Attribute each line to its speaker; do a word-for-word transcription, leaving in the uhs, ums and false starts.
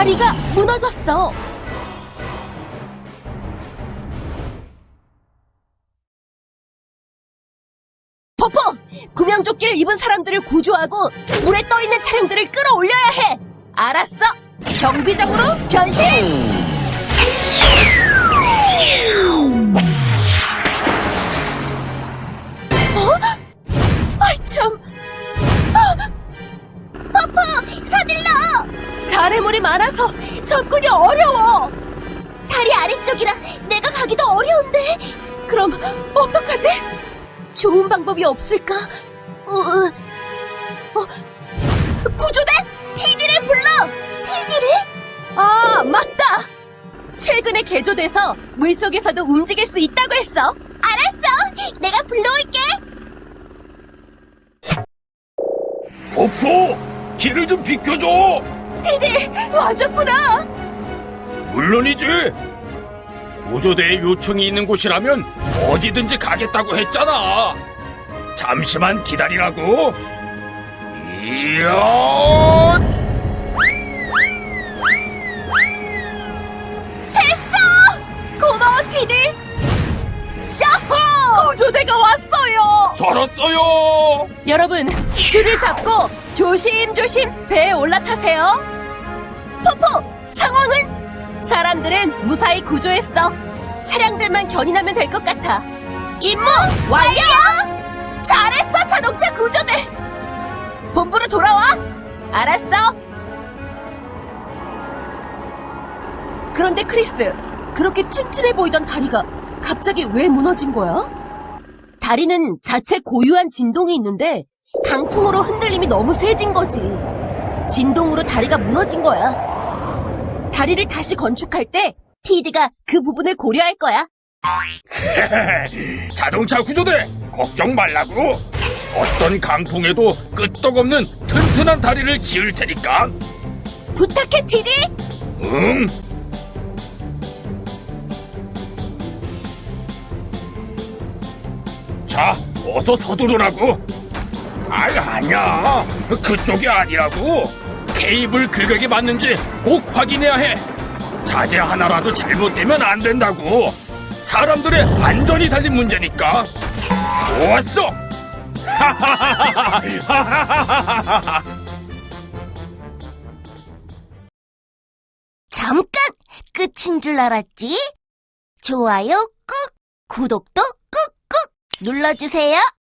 Speaker 1: 다리가 무너졌어. 포포! 구명조끼를 입은 사람들을 구조하고 물에 떠있는 차량들을 끌어올려야 해! 알았어! 경비정으로 변신! 어? 아이 참... 포포! 서둘러! 잔해물이 많아서 접근이 어려워! 다리 아래쪽이라 내가 가기도 어려운데. 그럼 어떡하지? 좋은 방법이 없을까? 어, 어, 구조대? 티디를 불러! 티디를? 아, 맞다! 최근에 개조돼서 물속에서도 움직일 수 있다고 했어. 알았어! 내가 불러올게!
Speaker 2: 포포! 길을 좀 비켜줘!
Speaker 1: 티디, 와줬구나!
Speaker 2: 물론이지! 구조대의 요청이 있는 곳이라면 어디든지 가겠다고 했잖아! 잠시만 기다리라고! 이야!
Speaker 1: 됐어! 고마워, 티디! 야호! 구조대가 왔어요!
Speaker 2: 살았어요!
Speaker 1: 여러분, 줄을 잡고 조심조심 배에 올라타세요. 포포, 상황은? 사람들은 무사히 구조했어. 차량들만 견인하면 될 것 같아. 임무 완료! 잘했어, 자동차 구조대! 본부로 돌아와! 알았어? 그런데 크리스, 그렇게 튼튼해 보이던 다리가 갑자기 왜 무너진 거야? 다리는 자체 고유한 진동이 있는데 강풍으로 흔들림이 너무 세진 거지. 진동으로 다리가 무너진 거야. 다리를 다시 건축할 때 티디가 그 부분을 고려할 거야.
Speaker 2: 자동차 구조대! 걱정 말라고! 어떤 강풍에도 끄떡없는 튼튼한 다리를 지을 테니까!
Speaker 1: 부탁해, 티디!
Speaker 2: 응! 자, 어서 서두르라고! 아이, 아니야! 그쪽이 아니라고! 케이블 규격에 맞는지 꼭 확인해야 해! 자재 하나라도 잘못되면 안 된다고! 사람들의 안전이 달린 문제니까! 좋았어!
Speaker 3: 잠깐! 끝인 줄 알았지? 좋아요 꾹! 구독도 꾹꾹! 눌러주세요!